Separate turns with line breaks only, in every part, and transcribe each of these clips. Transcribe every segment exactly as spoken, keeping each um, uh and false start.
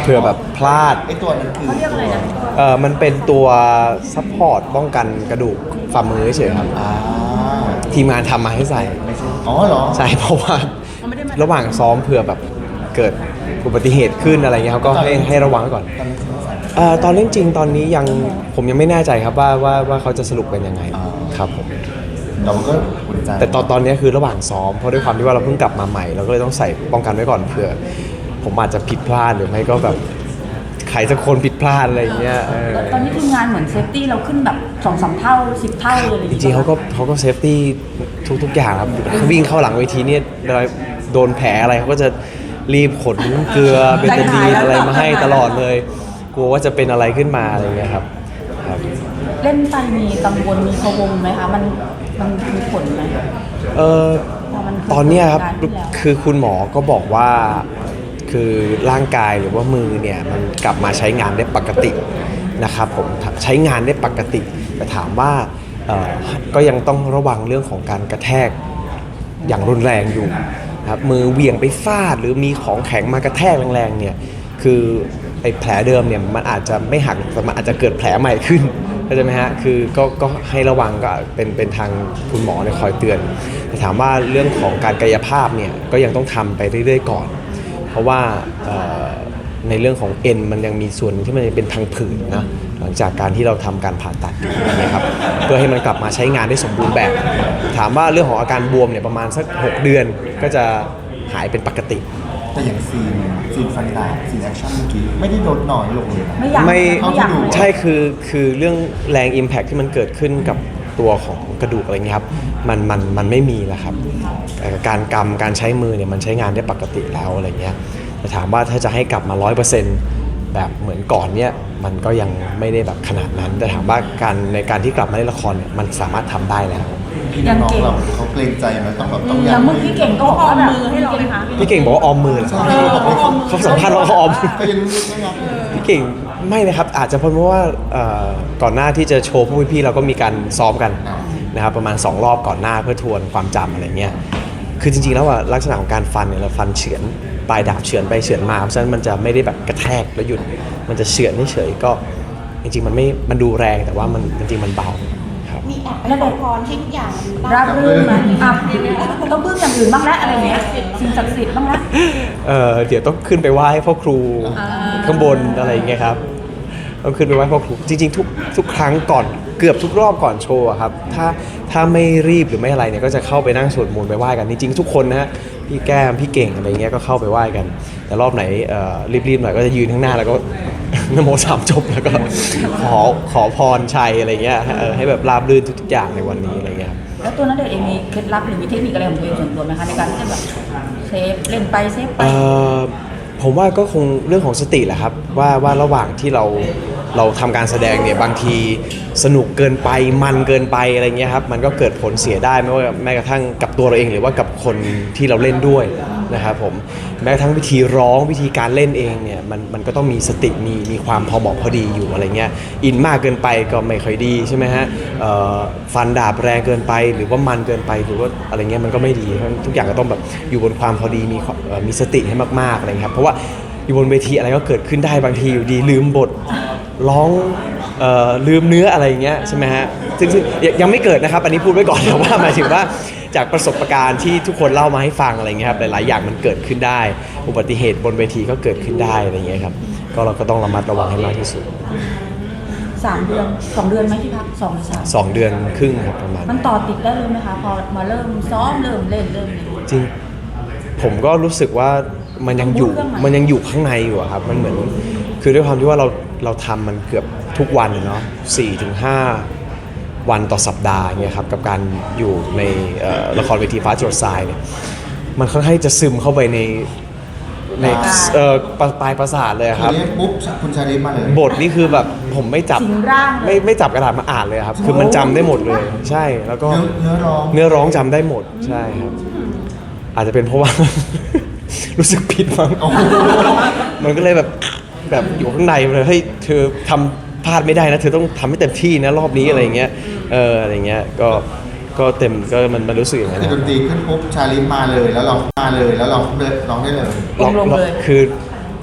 ผื่อแบบพลาด
ไอตัวนั้นคือ
เขาเรียกอะไรนะ
เออมันเป็นตัวซัพพอร์ตป้องกันกระดูกฝ่ามือเฉยๆครับ
อ่า
ทีมงานทำมาให้ใส่
ไม่ใช่อ๋อเหรอ
ใช่เพราะว่า
มันไม่ได้มา
ระหว่างซ้อมเผื่อแบบเกิดอุบัติเหตุขึ้นอะไรเงี้ยเขาก็ให้ให้ระวังไว้ก่อน
ตอนนี้คือใส่
เอ่อตอนเล่นจริงตอนนี้ยังผมยังไม่แน่ใจครับว่าว่าว่าเขาจะสรุปเป็นยังไงครับผม
เราก็อุ่นใจ
แต่ตอนตอนนี้คือระหว่างซ้อมเพราะด้วยความที่ว่าเราเพิ่งกลับมาใหม่เราก็เลยต้องใส่ป้องกันไว้ก่อนเผื่อผมอาจจะผิดพลาดหรือไม่ก็แบบใครสักคนผิดพลาดอะไรอย่างเงี้ยเออ
ตอนนี้ทีมงานเหมือนเซฟตี้เราขึ้นแบบสองสามเท่าสิบเท่าเลย
จริงๆเขาก็เขาก็เซฟตี้ทุกทุกอย่างครับเขาวิ่งเข้าหลังเวทีเนี่ยเวลาโดนแผลอะไรเขาก็จะรีบขนเกลือเบตาดีนอะไรมาให้ตลอดเลยกลัวว่าจะเป็นอะไรขึ้นมาอะไรเงี้ยครับครับ
เล่นไปมีกังวลมีพะวงไหมคะมันมันมีผลไหม
เออ
พอมัน
ตอนเนี้ยครับ
เกิดเหตุการณ์ที่แล้ว
คือคุณหมอก็บอกว่าคือร่างกายหรือว่ามือเนี่ยมันกลับมาใช้งานได้ปกตินะครับผมใช้งานได้ปกติแต่ถามว่าเอ่อก็ยังต้องระวังเรื่องของการกระแทกอย่างรุนแรงอยู่นะครับมือเหวี่ยงไปฟาดหรือมีของแข็งมากระแทกแรงๆเนี่ยคือไอ้แผลเดิมเนี่ยมันอาจจะไม่หักแต่มันอาจจะเกิดแผลใหม่ขึ้นเข้าใจไหมฮะคือก็ก็ให้ระวังก็เป็นเป็นทางคุณหมอเนี่ยคอยเตือนแต่ถามว่าเรื่องของการกายภาพเนี่ยก็ยังต้องทำไปเรื่อยๆก่อน เพราะว่าเอ่อในเรื่องของเอ็นมันยังมีส่วนหนึ่งที่มันยังเป็นพังผืดนะหลังจากการที่เราทำการผ่าตัดนะครับเพื่อให้มันกลับมาใช้งานได้สมบูรณ์แบบ ถามว่าเรื่องของอาการบวมเนี่ยประมาณสักหกเดือนก็จะหายเป็นปกติ
แต่อย่างซีนซีนฟันดาบซีนแอคชั่นเมื่อกี้ไม่ได้ลดน้อยลงเลยนะ
ไม่อยาก
ไม่
ไม่อยากเลย
ใช่คือคือเรื่องแรง Impact ที่มันเกิดขึ้นกับตัวของกระดูกอะไรเงี้ยครับมันมันมันไม่มีแล้วครับเอ่อการกำการใช้มือเนี่ยมันใช้งานได้ปกติแล้วอะไรเงี้ยแต่ถามว่าถ้าจะให้กลับมา ร้อยเปอร์เซ็นต์ แบบเหมือนก่อนเนี่ยมันก็ยังไม่ได้แบบขนาดนั้น แต่ถามว่าการในการที่กลับมาเล่นละครเนี่ยมันสามารถทำได้แล้ว
พี่น้องเราเขาเกรงใจไหมต้องแบบต้อง
อย่างเมื่อกี้เก่งก็บอกว่าแบบมือให้เราไหมคะ
พี่เก่งบอกว่าออมมือเหรอเขาสัมภาษณ์ว่าเขาออม
ก็ยังรู้สึกไม่รับ
พี่เก่งไม่เลยครับอาจจะเพราะว่าเอ่อก่อนหน้าที่จะโชว์พวกพี่ๆเราก็มีการซ้อมกันนะครับประมาณสองรอบก่อนหน้าเพื่อทวนความจำอะไรเงี้ยคือจริงๆแล้วอะลักษณะของการฟันเนี่ยเราฟันเฉือนปลายดาบเฉือนไปเฉือนมาเพราะฉะนั้นมันจะไม่ได้แบบกระแทกแล้วหยุดมันจะเฉือนเฉยๆก็จริงๆมันไม่มันดูแรงแต่ว่ามันจริงๆมันเบาครับ
มีแอบไปขอพรให้ทุกอย่างมัน
ราบรื่นไหมอ่ะต้องพึ่งอย่างอื่นบ้างแล้วอะไรเงี้ยสิ่งศักดิ์สิทธิ์บ้างแล้ว
เออเดี๋ยวต้องขึ้นไปไหว้พ่อครูข้างบนอะไรอย่างเงี้ยครับต้องขึ้นไปไหว้พ่อครูจริงๆทุกทุกครั้งก่อนเกือบทุกรอบก่อนโชว์อะครับถ้าถ้าไม่รีบหรือไม่อะไรเนี่ยก็จะเข้าไปนั่งสวดมนต์ไปไหว้กันจริงๆทุกคนนะฮะพี่แก้มพี่เก่งอะไรเงี้ยก็เข้าไปไหว้กัน แต่รอบไหนเอ่อรีบๆหน่อยก็จะยืนข้างหน้าแล้วก็ นโมสามจบแล้วก็ขอขอพรชัยอะไรเงี้ยเออให้แบบราบรื่นทุกๆอย่างในวันนี้อะไรเงี้ยครับ
แล้วตัวนั้นเด็กเองมีเคล็ดลับหรือมีเทคนิคอะไรของตัวเองส่วนตัวไหมคะในการที่จะแบบเซฟเล่นไปเซฟไป
เอ่อผมว่าก็คงเรื่องของสติแหละครับว่าว่าระหว่างที่เราเราทำการแสดงเนี่ยบางทีสนุกเกินไปมันเกินไปอะไรเงี้ยครับมันก็เกิดผลเสียได้ไม่ว่าแม้กระทั่งกับตัวเราเองหรือว่ากับคนที่เราเล่นด้วยนะครับผมแม้กระทั่งวิธีร้องวิธีการเล่นเองเนี่ยมันมันก็ต้องมีสติมีมีความพอเหมาะพอดีอยู่อะไรเงี้ยอินมากเกินไปก็ไม่ค่อยดีใช่ไหมฮะเอ่อฟันดาบแรงเกินไปหรือว่ามันเกินไปหรือว่าอะไรเงี้ยมันก็ไม่ดีเพราะฉะนั้นทุกอย่างก็ต้องแบบอยู่บนความพอดีมีความเอ่อมีสติให้มากๆอะไรเงี้ยครับเพราะว่าอยู่บนเวทีอะไรก็เกิดขึ้นได้บางทีอยู่ดีลืมบทร้องเอ่อลืมเนื้ออะไรอย่างเงี้ยใช่ไหมฮะซึ่งซึ่งยังยังไม่เกิดนะครับอันนี้พูดไว้ก่อนแต่ว่าหมายถึงว่าจากประสบการณ์ที่ทุกคนเล่ามาให้ฟังอะไรเงี้ยครับหลายๆอย่างมันเกิดขึ้นได้ อุบัติเหตุบนเวทีก็เกิดขึ้นได้อะไรเงี้ยครับก็เราก็ต้องระมัดระวังให้มากที่สุด
สามเดือนสองเดือนไหมที่พักสองหรือสาม
สองเดือนครึ่งครับประมาณ
มันต่อติดได้เลยไหมคะพอมาเริ่มซ้อมเริ่มเล่นเริ่มเล่น
จริงผมก็รู้สึกว่ามันยังอยู่
ต้องพูดเรื่องใหม่
มันยังอยู่ข้างในอยู่อะครับมันเหมือนคือด้วยความที่ว่าเราเราทำมันเกือบทุกวันเนาะสี่ถึงห้าวันต่อสัปดาห์เนี่ยครับกับการอยู่ในเอ่อละครเวทีฟ้าจรดทรายเนี่ยมันค่อนข้างจะซึมเข้าไปในในเอ่อปลายปลายประสาทเลยอะครับ
เรียกปุ๊บคุณชาลิฟมาเลย
บทนี่คือแบบผมไม่จับ
สิงร่างเลย
ไม่ไม่จับกระดาษมาอ่านเลยครับ คือมันจำได้หมดเลย ใช่แล้วก็
เนื้อเนื้อร้อง
เนื้อร้องจำได้หมดใช่ครับ อาจจะเป็นเพราะว่า รู้สึกผิดมั้ง
โอ้โห
มันก็เลยแบบแบบอยู่ข้างในเลยเฮ้ยเธอทำพลาดไม่ได้นะเธอต้องทำให้เต็มที่นะรอบนี้อะไรเงี้ยเอออะไรเงี้ยก็ก็เต็มก็มันมันรู้สึกอย่างนั้น
แต่
นะ
ดนตรีขึ้นปุ๊บชาลิฟมาเลยแล้วร้องมาเลยแล้วร้องเลยร้องได้เลย
ร้อง
ลงเลย
คือ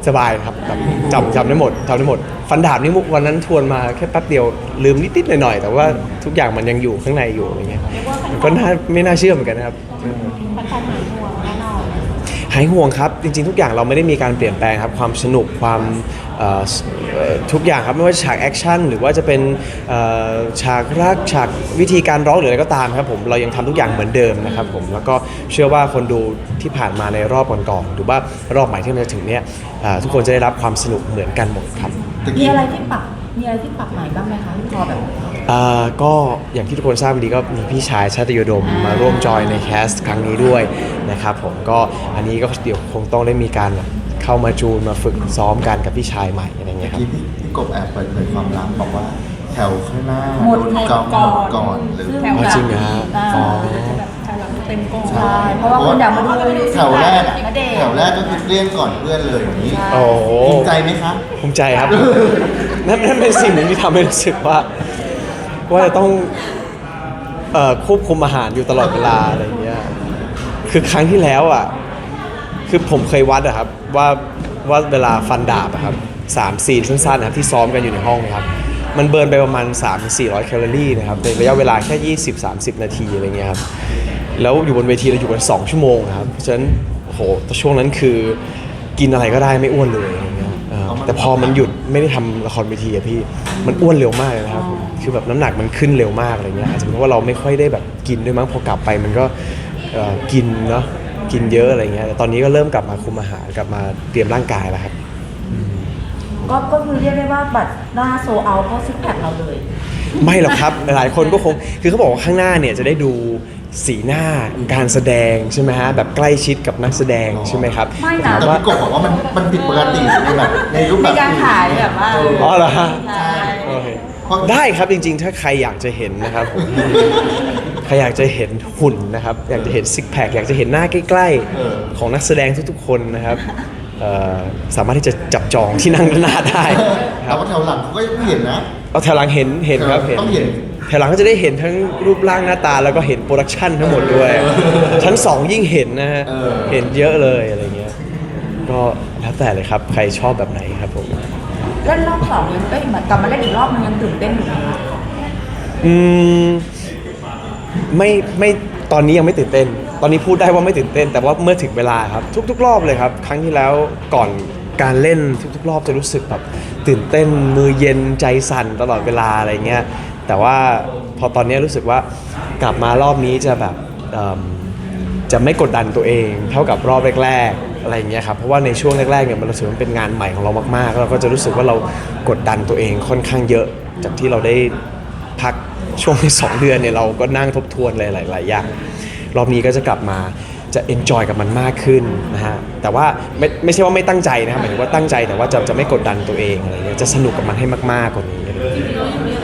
สบายครับแบบจำจำได้หมดจำได้หมด ฟันดาบนี่วันนั้นทวนมาแค่แป๊บเดียวลืมนิดๆหน่อยๆแต่ว่าทุกอย่างมันยังอยู่ข้างในอยู่อะไรเงี้ยก็น่าไม่น่าเชื่อเหมือนกันนะครับ
มันการหายห่วงแน่นอน
หายห่วงครับจริงๆทุกอย่างเราไม่ได้มีการเปลี่ยนแปลงครับความสนุกความเอ่อเอ่อทุกอย่างครับไม่ว่าจะฉากแอคชั่นหรือว่าจะเป็นเอ่อฉากรักฉากวิธีการร้องหรืออะไรก็ตามครับผมเรายังทำทุกอย่างเหมือนเดิมนะครับผมแล้วก็เชื่อว่าคนดูที่ผ่านมาในรอบก่อนๆหรือว่ารอบใหม่ที่มันจะถึงเนี้ยเอ่อทุกคนจะได้รับความสนุกเหมือนกันหมดครับ
ตะ
มี
กี้
อะไรที่ปรับมีอะไรที่ปรับใหม่บ้างไหมคะพอแบบ
อ่าก็อย่างที่ทุกคนทราบดีก็มีพี่ชายชาติโยดมมาร่วมจอยในแคสต์ครั้งนี้ด้วยนะครับผมก็อันนี้ก็เดี๋ยวคงต้องได้มีการแบบเข้ามาจูนมาฝึกซ้อมกันกับพี่ชายใหม่อะไรเงี้ยครับ
ที่พี่พี่กบแอบเปิดเผยความลับบอกว่าแถวข้างหน้า
หมด
โนก่อน
ก่อน
หมดก่อนหรือ
ซึ่ง
อ๋อจริงเหรอฮะ
อ่า
อ๋อ
ใช่เพราะว่าคนอยากมาดู
แถวแรกอะ
ณเดชน์
แถวแรกก็คือเลี่ยงก่อนเพื่อนเลยอย่างนี้
โอ้โห
ภูมิใจไหมครับ
ภูมิใจครับ นั่นนั่นเป็นสิ่งหนึ่งที่ทำให้รู้สึกว่า ว่าจะต้องเอ่อควบคุมอาหารอยู่ตลอดเวลาอะไรอย่างเงี้ยคือครั้งที่แล้วอ่ะคือผมเคยวัดอะครับว่าว่าเวลาฟันดาบอะครับสามซีนสั้นๆนะครับที่ซ้อมกันอยู่ในห้องนะครับมันเบิร์นไปประมาณ สามถึงสี่ร้อย แคลอรี่นะครับในระยะเวลาแค่ ยี่สิบถึงสามสิบ นาทีอะไรเงี้ยครับแล้วอยู่บนเวทีเราอยู่กันสองชั่วโมงนะครับเพราะฉะนั้นโอ้โหช่วงนั้นคือกินอะไรก็ได้ไม่อ้วนเลยอะไรเงี้ยเออแต่พอมันหยุดไม่ได้ทำละครเวทีอะพี่มันอ้วนเร็วมากเลยนะครับผมคือแบบน้ำหนักมันขึ้นเร็วมากอะไรเงี้ยอาจจะเป็นเพราะว่าเราไม่ค่อยได้แบบกินด้วยมั้งพอกลับไปมันก็เอ่อกินเนาะกินเยอะอะไรเงี้ยแต่ตอนนี้ก็เริ่มกลับมาคุมอาหารกลับมาเตรียมร่างกายแล้วครับ
ก็ก็คือเรียกได้ว่าบัตรหน้าโซเอาเพราะซิกแพคเราเลย
ไม่หรอกครับ หลายคนก็คงคือเขาบอกว่าข้างหน้าเนี่ยจะได้ดูสีหน้าการแสดงใช่ไหมฮะแบบใกล้ชิดกับนักแสดงใช่ไหมครับ
ไม่นะ
ถาม
แต่
ว่า
พี่กบบอกว่ามันมันผิดปกติในแบบในรูปแบ
มี
บ
การถ่ายแบบว่า
อ๋อเหรอฮะ
ใช่
โอเคได้ครับจริงๆ ถ้าใครอยากจะเห็นนะครับผมใครอยากจะเห็นหุ่นนะครับอยากจะเห็นซิกแพคอยากจะเห็นหน้าใกล้ๆของนักแสดงทุกๆคนนะครับเอ่อสามารถที่จะจับจองที่นั่งด้านหน้าได้ค
แต่
รับ
ว่าแถวหลังเขาก็เห็นนะ
เอาแถวหลังเห็นเห็นครับเห็น
ต้องเห็น
แถวหลังก็จะได้เห็นทั้งรูปร่างหน้าตาแล้วก็เห็นโปรดักชันทั้งหมดด้วย ชั้นสองยิ่งเห็นนะฮะ
เออ
เห็นเยอะเลยอะไรเงี้ยก็แล้วแต่เลยครับใครชอบแบบไหนครับผม
เล่นรอบสองยังเอ้ยเหมือนกลับมาเล่นอีกรอบนึงยังตื่นเต้นอยู่ไหมคะ
อืมไม่ไม่ตอนนี้ยังไม่ตื่นเต้น ตอนนี้พูดได้ว่าไม่ตื่นเต้น แต่ว่าเมื่อถึงเวลาครับทุกๆ รอบเลยครับ ครั้งที่แล้วก่อนการเล่นทุกๆ รอบจะรู้สึกแบบตื่นเต้นมือเย็นใจสั่นตลอดเวลาอะไรเงี้ยแต่ว่าพอตอนนี้รู้สึกว่ากลับมารอบนี้จะแบบเอิ่มจะไม่กดดันตัวเองเท่ากับรอบแรกๆอะไรอย่างเงี้ยครับเพราะว่าในช่วงแรกๆเนี่ยมันรู้สึกว่ามันเป็นงานใหม่ของเรามากๆแล้วเราก็จะรู้สึกว่าเรากดดันตัวเองค่อนข้างเยอะจากที่เราได้พักช่วงที่สองเดือนเนี่ยเราก็นั่งทบทวนหลายๆอย่างรอบนี้ก็จะกลับมาจะ enjoy กับมันมากขึ้นนะฮะแต่ว่าไม่ไม่ใช่ว่าไม่ตั้งใจนะครับหมายถึงว่าตั้งใจแต่ว่าจะจะไม่กดดันตัวเองอะไรเงี้ยจะสนุกกับมันให้มากๆกว่านี้อะไรเงี้ย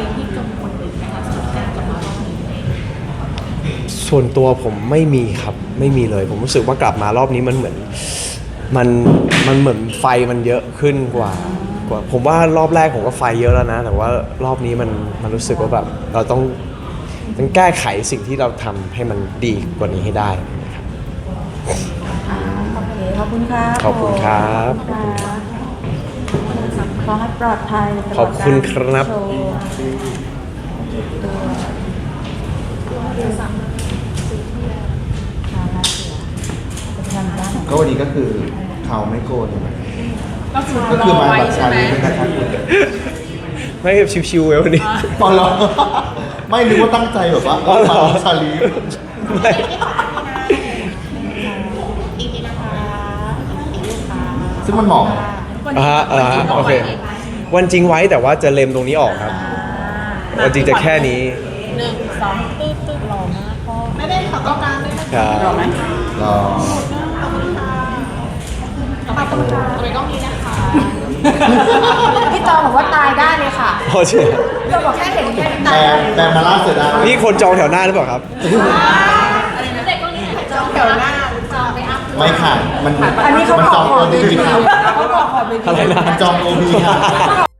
ส่วนตัวผมไม่มีครับไม่มีเลย ผมรู้สึกว่ากลับมารอบนี้มันเหมือนมันมันเหมือนไฟมันเยอะขึ้นกว่ากว่าผมว่ารอบแรกผมก็ไฟเยอะแล้วนะ แต่ว่ารอบนี้มันมันรู้สึกว่าแบบเราต้องต้องแก้ไขสิ่งที่เราทำให้มันดีกว่านี้ให้ได้
อ่าโอเคขอบคุณครับ
ขอบคุณครับ
ขอบคุณครับขอให้ปลอดภัยตลด
ขอบคุณครับ
กาโชว์ตัวทำได้
ก็วันนี้ก็คือเขาไม่โกน
ก็คือ
ก็
ร
คือ
อ
มา
ไว้
แบบ
ใช่
ชา
ไหม
ลีนะครับ
ไม่ชิวๆเว้ยวันนี้
ตอนเราไม่นึกว่าตั้งใจแบบว่า
อ๋อเหรอ
มาชาลี
ไม่
อีกทีนะคะอีกทีค่ะ
ซึ่งมันเหมาะ
อ่าฮะอ่าฮะโอเควันจริงไว้แต่ว่าจะเล็มตรงนี้ออกครับวันจริงจะแค่นี้
หนึ่งสองตึ๊ดตึ๊ดหล่อมากพ่อไม่ได้ขอกล้องกลางด้วยนะครับ
รอไหม
รอ
ขอบคุณค่ะขอบคุณค่ะทำไมกล้องนี้นะคะ
พี่จอบอกว่าตายได้เลยค่ะ
พอเชื่อ
พี่จอบอกแค่เห็นแค่นี้
แป
ตา
ล
ยได้
แปลมาล่าเสือดาว
นี่คนจองแถวหน้าหรือเปล่าครับ
อะไรนะเด็กกล้องนี้ถ่ายจองแถวหน้าจอไปอัพ
ไม่ค่ะมัน
อันนี้เขา
มัน
ข
จ
อ
อง
ข
โอ
อเว
บี
ที
ค่ะ
เขาขอขอเวที
อะไรนะ
มันจองโอบีค่ะ